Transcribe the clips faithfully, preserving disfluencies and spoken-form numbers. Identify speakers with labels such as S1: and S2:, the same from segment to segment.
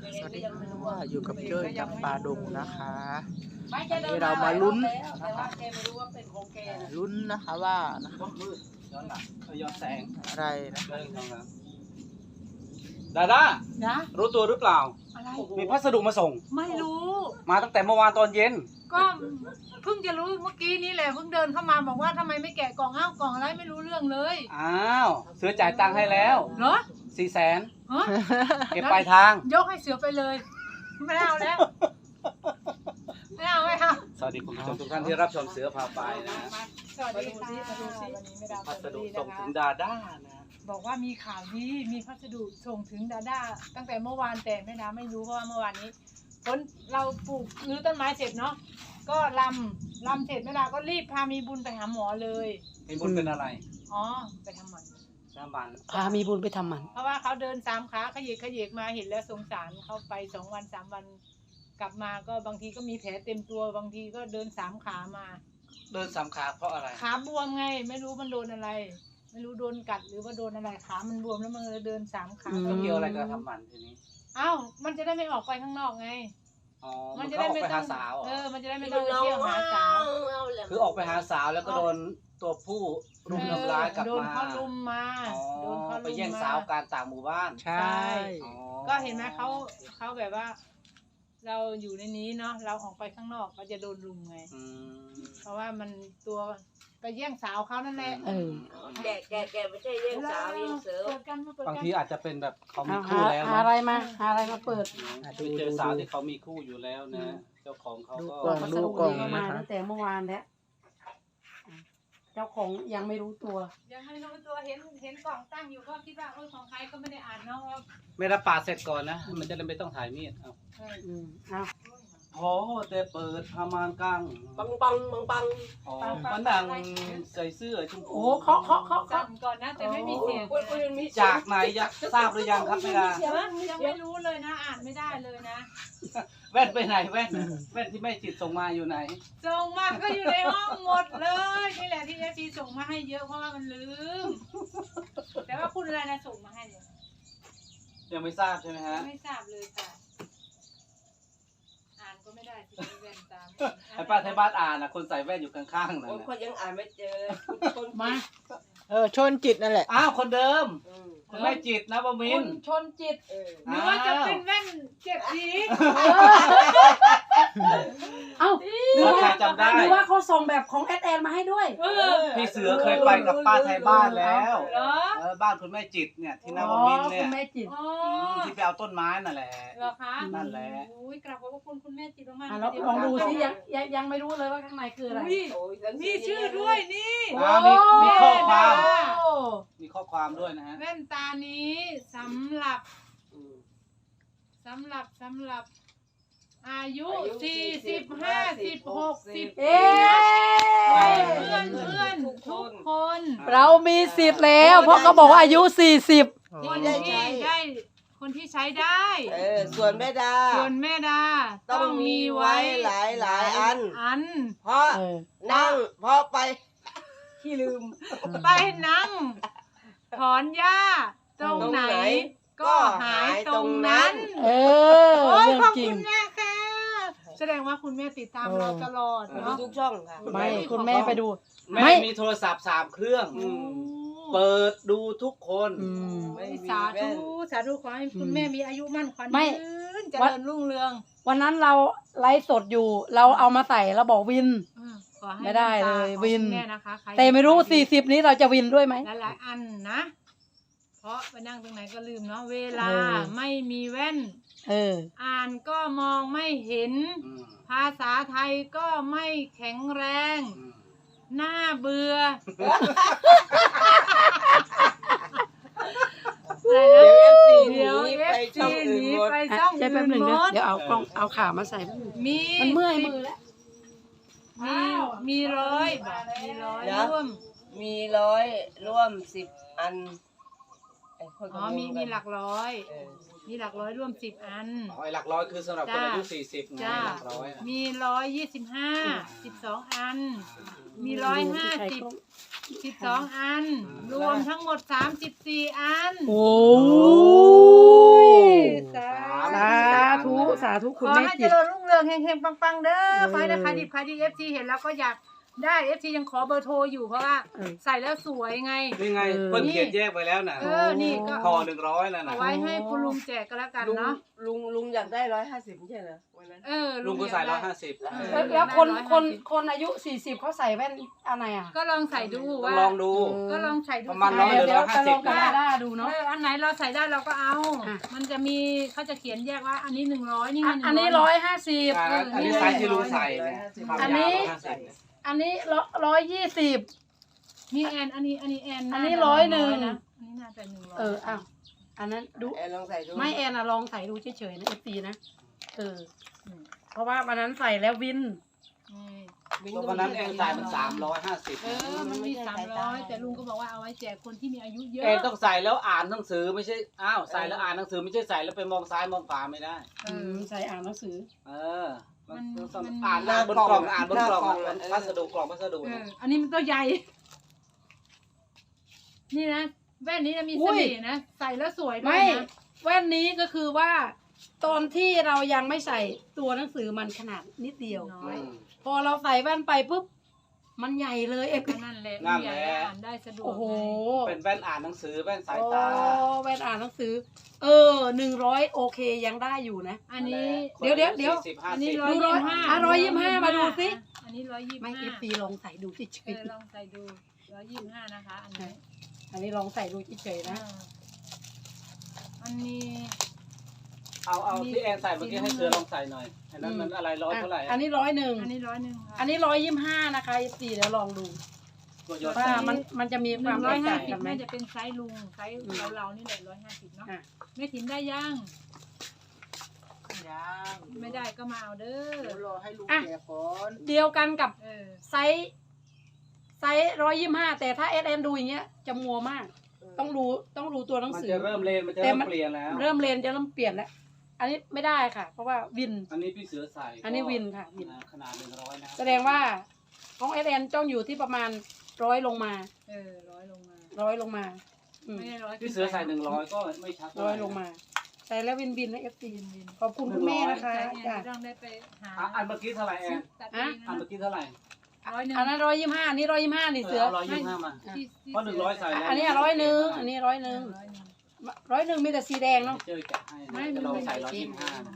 S1: สวัสดีค่ะอยู่กับเจ้ยจำปาดงนะคะวันนี้เรามาลุ้นนะคะลุ้นนะคะว่านะคะ
S2: มืดย้อนหลังย้อนแสง
S1: อะไรนะคะ
S2: ดาด้า
S3: นะ
S2: รู้ตัวหรือเปล่า
S3: อะไร
S2: มีพัสดุมาส่ง
S3: ไม่รู้
S2: มาตั้งแต่เมื่อวานตอนเย็น
S3: ก็เพิ่งจะรู้เมื่อกี้นี่แหละเพิ่งเดินเข้ามาบอกว่าทำไมไม่แกะกล่องอ้าวกล่องอะไรไม่รู้เรื่องเลย
S2: อ้าวเสือจ่ายตังค์ให้แล้ว
S3: เหรอ
S2: สี่แสน
S3: ฮะ
S2: เก็บปลายทาง
S3: ยกให้เสือไปเลย ไม่เอาแล้วไม่เอาไม่เอา
S2: สวัสดีคุณผู้ชมทุกท่านที่รับชมเสือพาไปนะ
S3: สวัสดีค่ะวันนี้ไม่ได้
S2: พัสดุ
S3: นะ
S2: ส่ง
S3: คะ
S2: ถึงดาด้านะ
S3: บอกว่ามีข่าวดีมีพัสดุส่งถึงดาด้าตั้งแต่เมื่อวานแต่แม่ดาไม่รู้เพราะว่าเมื่อวานนี้ฝนเราปลูกรื้อต้นไม้เสร็จเนาะก็ลำลำเสร็จแม่ดาก็รีบพามีบุญไปหาหมอเลย
S2: มีบุญเป็นอะไร
S3: อ๋อไปทำหมัน
S2: น้ำมัน
S4: พามีบุญไปทำหมัน
S3: เพราะว่าเขาเดินสามขาขยิกขยิกมาเห็นแล้วสงสารเขาไปสองวันสามวันกลับมาก็บางทีก็มีแผลเต็มตัวบางทีก็เดินสามขามา
S2: เดินสามขาเพราะอะไร
S3: ขาบวมไง ไม่รู้มันโดนอะไร ไม่รู้โดนกัดหรือว่าโดนอะไรขามันบวมแล้วมันเลยเดินสามขา
S2: แล้วเกี่ยวอะไรกับทำหมันทีนี้
S3: อ้าวมันจะได้ไม่ออกไปข้างนอกไง
S2: อ๋อ
S3: มั
S2: มัน น
S3: จะ
S2: ก็
S3: ได้
S2: ออก
S3: ไม่
S2: ไป
S3: ต้
S2: หา
S3: อง
S2: สาวเหร
S3: เอ
S2: อ
S3: อมันจะได้ไม่ต้องไปเที่ยวหาสาว
S2: คือออกไปหาสาวแล้วก็โดนตัวผู้รุมทำร้ายกลับ
S3: โดน
S2: มา
S3: เขาลุมมา
S2: อ๋อ
S3: โดนเขาลุมมา
S2: ไปแย่งสาวการต่างหมู่บ้าน
S1: ใช่
S2: อ๋อ
S3: ก็เห็นไหมเขาเขาแบบว่า เราอยู่ในนี้เนาะเราออกไปข้างนอกก็จะโดนลุมไง
S2: อืม
S3: เพราะว่ามันตัวไปแย่งสาวเขานั่นแหละ
S4: เออ
S5: แกะแกะแกะไม่ใช่เลี้ยงสาวเลี้ยงเสือ
S3: เปิดกันมาเปิด
S2: บาง
S3: กัน
S2: ทีอาจจะเป็นแบบเขามี
S4: เอา
S2: คู่
S4: หา
S2: แล้ว
S4: หา
S2: นะ
S4: อะไรมาหาอะไรมาเปิด
S2: ไปเจอสาวที่เขามีคู่อยู่แล้วนะ เจ้าของเขา
S1: ดู
S2: ก็
S1: กล่อง
S4: พัส
S1: ดู
S4: ดุ
S1: กล่อง
S4: นี้มา
S1: นะคะ
S4: ตั้งแต่เมื่อวานแล้วเจ้าของยังไม่รู้ตัว
S3: ยังไม่รู้ตัวเห็นเห็นกล่องตั้งอยู่ก็คิดว่าเออของใครก็ไม่ได้อ่านเนาะว่า
S2: ไม่รับปาดเสร็จก่อนนะ มันจะได้ไม่ต้องถ่ายมีดเอา
S3: เออ
S4: อืมเอา
S2: พอแต่เปิดพามานกัง
S5: ปังปังปังปัง
S2: อ๋อมันดังใส่เสื้อชม
S4: โอ้
S2: พู
S4: เคาะเคาะเคาะ
S3: สั่
S4: เคาะ
S3: นก่อนนะแต่ไม่มีเสียง
S5: โอ้ยโอ้ยมี
S2: จากไหนอยากทราบหรือยังครับเวลา
S3: ยังไม่รู้เลยนะอ่านไม่ได้เลยนะ
S2: แว่นไปไหนแว่นแว่นที่แม่จิตส่งมาอยู่ไหน
S3: ส่งมาก็อยู่ในห้องหมดเลยนี่แหละที่เอฟซีส่งมาให้เยอะเพราะว่ามันลืมแต่ว่าคุณอะไรนะส่งมาให้เนี่ย
S2: ยังไม่ทราบใช่ไหมฮะ
S3: ไม่ทราบเลยค่ะ อ่านก็ไม่ได้ที่แว่นตาม
S2: ไอ้ป้าไทยบ้านอ่านนะคนใส่แว่นอยู่ข้างๆนั่น
S5: คน
S2: นะ
S5: คนยังอ่านไม่เจอคน
S3: มา
S1: เออชนจิตนั่นแหละ
S2: อ้าวคนเดิม
S5: อืม
S2: คุณแม่จิตนะบมิ
S3: คุ
S2: น
S3: ณชนจิต
S5: เออ
S3: หรือว่าจะเป็นแว่นเจ็ดสี
S4: เอ้า
S2: ถ้าใครจำได้
S4: หรือว่าเขาส่งแบบของแอดแอนมาให้ด้วย
S3: เออ
S2: พี่เสือเคยไปกับป้าไทยบ้านแล้ว
S3: เหรอ
S2: เออบ้านคุณแม่จิตเนี่ยที่
S4: อ๋
S2: นา
S4: อ
S2: วมินทร์
S4: คุ
S2: เนี่ย
S4: ณแม่จิต
S3: อ๋อ
S2: มที่ไปเอาต้นไม้นั่นแหละ
S3: เหรอคะ
S2: นั่นแหละ
S3: โอ้ยกราบขอบพระคุณคุณแม่จิตมากๆ
S4: อ่ะแล้วลองดูสิยังยังยังไม่รู้เลยว่าข้างในคืออะไร
S3: อุ้ย
S5: โอ้ยหนังสื
S3: มีชื่อด้วยนี่
S2: อ่ามีมีข้อความ
S4: โอ้
S2: มีข้อความด้วยนะฮะ
S3: แว่นตานี้สำหรับ
S5: อืม
S3: สำหรับสำหรับ อายุสี่สิบห้าสิบหกสิบ
S4: เอ๊
S3: วัย
S4: ะ
S3: เพื่อนเพื่อนทุกคน
S4: เรามีสิทธิ์แล้ว เพราะเขาบอกว่าอายุสี่สิบ
S3: คนที่ได้คนที่ใช้ได้
S5: เออส่วนแม่ดา
S3: ส่วนแม่ดา
S5: ต้องมีไว้หลายหลายอัน
S3: อัน
S5: เพราะ
S4: เออ
S5: นั่งเพราะไปขี้ลืม
S3: ไปนั่งถอนหญ้าตรงไหน ก็หายตรงนั้น
S4: เออ
S3: โอ้ย
S4: เรื่อง
S3: ขอบ
S4: จริ
S3: คุ
S4: ง
S3: ณแม่ค่ะแสดงว่าคุณแม่ติดตามเราตลอด
S5: ดู
S3: เนาะ
S5: ทุกช่องค่ะ
S4: ไม่คุณแม่ไปดู
S2: แม่
S4: ไม่
S2: มีโทรศัพท์สามเครื่อง
S5: อืม
S2: เปิดดูทุกคน
S4: อืม
S5: ไม่มี
S3: สา
S5: แว่
S3: ธุ
S5: น
S3: สาธุขอให้คุณแม่มีอายุมั่นขวัญ
S4: ไม่
S3: ยืนเจ
S4: วัด
S3: ริญรุ่งเรือง
S4: วันนั้นเราไลฟ์สดอยู่ เราเอามาใส่เราบอกวิน
S3: อืมขอให้
S4: ไม่ได้เลย
S3: แว่นตาของ
S4: วิน
S3: คุณแม่นะคะใค
S4: แต่ไม่รู้สี่สิบนี้เราจะวินด้วยไหม
S3: หลายๆอันนะ เพราะไปนั่งตรงไหนก็ลืมเนาะเวลา
S4: เออ
S3: ไม่มีแว่น
S4: เออ
S3: อ่านก็มองไม่เห็น
S2: อืม
S3: ภาษาไทยก็ไม่แข็งแรง
S2: อืม
S3: หน้าเบื่ออะไรนะ
S5: เดี๋ยว
S3: เดี๋ยว
S5: เอฟซีหนีไปช่อง
S3: ห
S5: อื่น
S3: นี
S5: หมด
S3: ไป
S4: อ่ะ
S3: ช่อง
S4: ใช่แป๊
S3: อื่
S4: บ
S3: น
S4: หนึ่ง
S3: หม
S4: เดี๋ยว
S3: ด
S4: เดี๋ยวเอากล้องเอาขามาใส่แป๊บหนึ่ง
S3: มี
S4: มันเมื่อย
S3: สิบ
S4: มือแล้ว
S3: มีมีร้อยบอกมีร้อย
S5: เดี๋ยว
S3: ร่วม
S5: มีร้อยร่วมสิบอันไอ้คน
S3: อ๋อมีมีหลักร้อย
S5: เออ
S3: มีหลักร้อยร่วมสิบอัน
S2: อ๋อไอ้หลักร้อยคือสำหรับคนอายุ
S3: จ้า
S2: สี่สิบไง
S3: จ้า
S2: หลักร้อยอะ
S3: มีร้อยยี่สิบห้าสิบสองอัน มีร้อยห้าสิบสิบสองอัน รวมทั้งหมดสามสิบสี่อัน
S4: โอ้
S3: สา
S4: สาธุ
S3: ข
S4: คุณ
S3: อ
S4: แม่
S3: ให้
S4: จิ
S3: เจ
S4: ต
S3: ริญรุ่งเรืองเฮงๆปังๆเด้อ
S4: เออ
S3: ขอให้ราคาดิบขายดีเอฟซีเห็นแล้วก็อยากได้เอฟซียังขอเบอร์โทรอยู่เพราะว่า
S4: เออ
S3: ใส่แล้วสวยไง
S2: นี่ไง
S4: เออ
S2: เพิ่นเขียนแยกไปแล้วน่ะ
S3: เออนี่ก็
S2: ห่อหนึ่งร้อยแล้ว
S3: เอา
S2: นะ
S3: ไว้ให้คุณลุงแจกก็แล้วกัน
S5: ลุง
S3: เนาะ
S5: ลุงลุงอยากได้ร้อยห้าสิบไม่ใช่เหรอวันนั้น
S3: เออ
S2: ลุงก็ใส่ร้อยห้าสิบ
S3: เออ
S4: แล้วแล้วคนคนคนอายุสี่สิบเขาใส่แว่นอะไรอ่ะ
S3: ก็ลองใส่ดู
S2: ต้อ
S3: ว่าง
S2: ลองดู
S3: ก็ลองใส่ดู
S2: ประมาณร้อย
S4: เดี๋ยว
S2: หรื
S4: เดี๋ยว
S2: ร้อยห้า
S4: จะ
S2: สิ
S4: ล
S2: บ
S4: องกับดาด้าดูเนาะ
S3: เอออันไหนเราใส่ได้เราก็เอา
S4: อ่ะ
S3: มันจะมีเขาจะเขียนแยกว่า อันนี้หนึ่งร้อยนี่ไง
S4: อ่ะอันนี้ร้อยห้าสิบ
S2: อ่าอันนี้ไซส์ที่ลุงใส่เนี่ยความ
S4: อัน
S2: ยาว
S4: นี้
S2: ร้อยห้าสิบเนี่ย
S4: อันนี้ร้อยยี่สิบ
S3: นี่แอนอันนี้อันนี้แอน
S4: อันนี้
S3: าจะ
S4: ร้อยหนึ่ง
S3: นะอันนี้น่าจะหนึ่งร้อย
S4: เอออ้าวอันนั้นดู
S5: แอนลองใส่ดู
S4: ไม่แอนอะลองใส่ดูเฉยๆนะเอฟซีนะเออเพราะว่าวันนั้นใส่แล้ววิน
S3: นี่
S2: วันนั้นแอนใส่มันสามร้อยห้าสิบ
S3: เออมันมีสามร้อยแต่ลุงก็บอกว่าเอาไว้แจกคนที่มีอายุเยอะ
S2: แอนต้องใส่แล้วอ่านหนังสือไม่ใช่อ้าวใส่แล้วอ่านหนังสือไม่ใช่ใส่แล้วไปมองซ้ายมองขวาไม่ได้
S3: เอ
S4: อื
S3: อ
S4: มใส่อ่านหนังสือ
S2: เออมัน
S3: มัน
S2: ต้อง
S3: มัน
S2: อ่านหน้าบนกล่องอ่านบนกล่องอ่ะพัสดุกล่องพัสดุ
S3: เอ
S2: เนี่ย
S3: ออันนี้มันตัวใหญ่ นี่นะแว่นนี้นะมี
S4: อุ้
S3: เส
S4: ย
S3: น่ห์นะใส่แล้วสวยด้ว
S4: ไม่
S3: ยนะ
S4: แว่นนี้ก็คือว่า ตอนที่เรายังไม่ใส่ตัวหนังสือมันขนาดนิดเดียว
S3: น้อย
S2: อืม
S4: พอเราใส่แว่นไปปุ๊บมันใหญ่เลยเอฟ
S3: ก็นั่นแหละ
S2: นั่น
S3: ใหญ่
S2: แหละ
S3: อ่านได้สะดวก
S4: โอ้โห
S3: ไง
S2: เป็นแว่นอ่านหนังสือแว่นสาย
S4: โอ้
S2: ตา
S4: แว่นอ่านหนังสือ เออหนึ่งร้อยโอเคยังได้อยู่นะ
S3: อันนี้
S4: เดี๋ยวเดี๋ยวเดี๋ยว
S2: สี่สิบห้า
S3: อัน
S2: สิ
S3: นี้
S2: บ
S3: ร้อย
S4: ดูร้อย
S3: ยี่สิบห้า
S4: อ่ะร้อยยี่สิบห้ามาดูสิ
S3: อันนี้ร้อยยี่สิบ
S4: ไม่
S3: ห้า
S4: เอฟซีลองใส่ดูเฉ
S3: เอย อลองใส่ดูร้อยยี่สิบห้านะคะ อันนี้
S4: ๆอันนี้ลองใส่ดูเฉยๆนะ
S3: อ่าอันนี้
S2: เอาเอาที่แอนใส่เมื่อกี้ให้เสือลองใส่หน่อยอันนั้นมันอะไรร้อยเท่าไหร่
S4: อันนี้ร้อยหนึ่ง
S3: อันนี้ร้อยหนึ่งค่ะ
S4: อันนี้ร้อยยี่สิบห้านะคะเอฟซีเดี๋ยวลองดู
S2: ตัวยอด
S4: ว่า
S2: ใส่
S4: มันมันจะมี
S3: ห
S4: ความ
S3: นึ่ง
S4: แต
S3: ร้อย
S4: ก
S3: ห้า
S4: ต่าง
S3: สิ
S4: กับ นไหม
S3: น่าจะเป็นไซส์ลุงไซส์เราเราๆนี่แหละร้อยห้าสิบเนาะ
S4: อ่ะ
S3: ไม่ถินได้ยัง
S1: ยัง
S3: ไม่ได้ก็มาเอาเด้อ
S1: เดี๋ยวรอให้ลุง
S4: อ่ะ
S1: แกะก่อน
S4: เดียวกันกับ
S3: เออ
S4: ไซส์ไซส์ร้อยยี่สิบห้าแต่ถ้าเอสเอ็นดูอย่างเงี้ยจะมัวมาก ต้องรู้ต้องรู้ตัวหนัง
S2: มัน
S4: สือ
S2: จะเริ่มเลนมันจะ
S4: แต่
S2: เริ่ม
S4: มัน
S2: เปลี่ยนแล้ว
S4: เริ่มเรียนจะเริ่มเปลี่ยนแล้ว อันนี้ไม่ได้ค่ะ เพราะว่าวิน
S2: อันนี้พี่เสือใส่
S4: อันนี้วินค่ะวิน
S2: ขนาดหนึ่งร้อยนะ
S4: แสดงว่าของเอสเอ็นต้องอยู่ที่ประมาณร้อยลงมา
S3: เออร้อยลงมา
S4: ร้อยลงมาอืม
S3: ไม่ได้ร้อย
S2: พี่เสือใส่หนึ่งร้อยก็ไม่ชัดเท่า
S4: ร้
S2: ไห
S4: อยลงมาใส่แล้ววินวินนะเอฟซี
S3: วินวิน
S4: ขอบคุณคุณแม่นะคะ
S3: ใช่ไง
S4: จ้ะ
S3: ต้องได้ไปหา
S2: อ่ะอันเมื่อกี้เท่าไหร่แอน
S3: ตัด
S4: อ่ะ
S3: เอง
S2: อัน
S3: นะ
S2: เมื่อกี้เท่าไหร่
S3: ร้อยหนึ่ง
S4: อันนั้นร้อยยี่สิบห้าอันนี้ร้อยยี่สิบห้านี่เสือ
S2: ร้อยยี่สิบห้ามา
S3: ที่ที่
S2: เพราะหนึ่งร้อยใส่แล้ว
S4: อันนี้ร้อยหนึ่งอันนี้ร้อยหนึ่ง
S3: ร้อยหนึ่ง
S4: ร้อยหนึ่งมีแต่สีแดงเนาะ
S2: เจอแกะให้
S3: ไม่
S2: นะ
S3: มั
S2: จะ
S3: น
S2: ลอง
S3: เป็น
S2: ใส่ร้อยยี่สิบห้านะ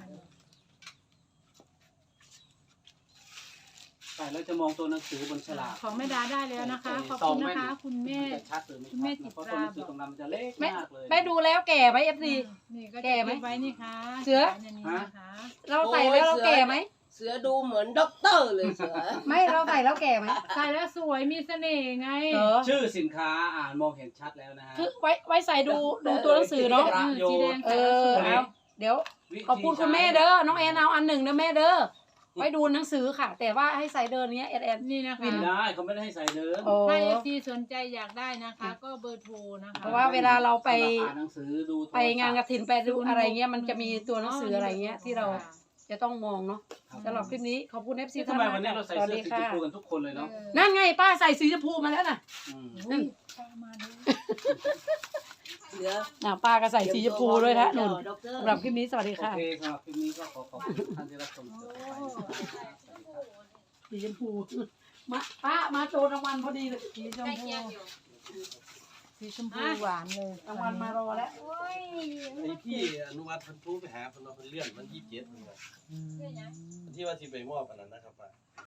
S2: ใส่แล้วจะมองตัวหนังสือบนฉลาก
S3: ของแม่ดาได้แล้วนะคะ ขอบ
S2: ซอ
S3: คุ
S2: ง
S3: ณ
S2: แม่
S3: นะคะ คุณแม่
S2: นจะชัดหรือไม่
S3: คุณแม่
S2: ชัด
S3: จิ
S2: นะ
S3: ต
S2: เพราะ
S3: รา
S2: ตัวหนังสือตรงนั้นมันจะเล็ก
S4: ไม่
S2: มากเลย
S4: ไม่ดูแล้วแก่ไหมเอฟซี
S3: นี่ก็
S4: แก่ไหม
S3: เก็บไว้นี่ค่ะ
S4: เสือ
S3: ก็บไว้ในนี้นะคะ
S4: เราใส่แล้วเราแก่ไหม
S5: เสือดูเหมือนด็อกเตอร์เลยเสือ
S4: ไม่เราใส่แล้วแก่ไหม
S3: ใส่แล้วสวยมีเสน่ห์ไง
S4: เออ
S2: ชื่อสินค้าอ่านมองเห็นชัดแล้วนะฮะ
S4: คือไว้ไว้ใส่ดูดูตัวหนังสือเนาะ
S3: เออสีแดง
S4: เอ
S3: ใส่แล้วสวย
S4: อเอาเดี๋ยว ขอบคุณคุณแม่เด้อ น้องแอนเอาอันหนึ่งเด้อแม่เด้อ ไว้ดูหนังสือค่ะ แต่ว่าให้ใส่เดินเนี้ยแอนแอน
S3: นี่นะคะ
S2: ไม่ได้เขาไม่ได้ให้ใส่เดิม
S4: โอ้
S3: ถ้าเอฟซีสนใจอยากได้นะคะ ก็เบอร์โทรนะคะ
S4: เพราะว่าเวลาเราไป
S2: สำหรับอ่านหนังสือดูโทรศัพท์
S4: ไปงานกระถินไปดูอะไรเงี้ยมันจะมีตัวหนังสืออะไรเงี้ยที่เรา
S3: ค่ะ
S4: จะต้องมองเนาะสำหรับคลิปนี้ขอบคุณเอฟซี
S2: ทำไมวันนี้เราใส่
S4: สวัส
S2: เสื้อ
S4: ดี
S2: สีช
S4: ค่ะ
S2: มพูกันทุกคนเลยเนาะ
S3: เออ
S4: นั่นไงป้าใส่สีชมพูมาแล้วน่ะ
S2: อืม
S3: อุ้ยป้ามาเลย
S5: เสือ
S4: น่ะป้าก็ใส่สีชมพูด้วยนะนุ่น
S5: ด็อกเตอร์
S4: สำหรับคลิปนี้สวัสดี
S2: โอ
S4: ค่ะ
S2: เคสำหรับคลิปนี้ก็ขอขอบคุณท่านที่รับชมเสือไปนะครับสวัสดีครับ
S4: สีชมพูมาป้ามาโจรรางวัลพอดีเลย
S3: สีชมพูสีชมพูหวานเลย
S4: รางวัลมารอแล้ว
S6: ไอ้พี่อนุวัฒน์เพันธุไปหาเพันเราเพิ่นเลื่อนมันยี่สิบเจ็ดนี่ครับที่ว่าที่ไปมอบอันนั้นนะครับป้า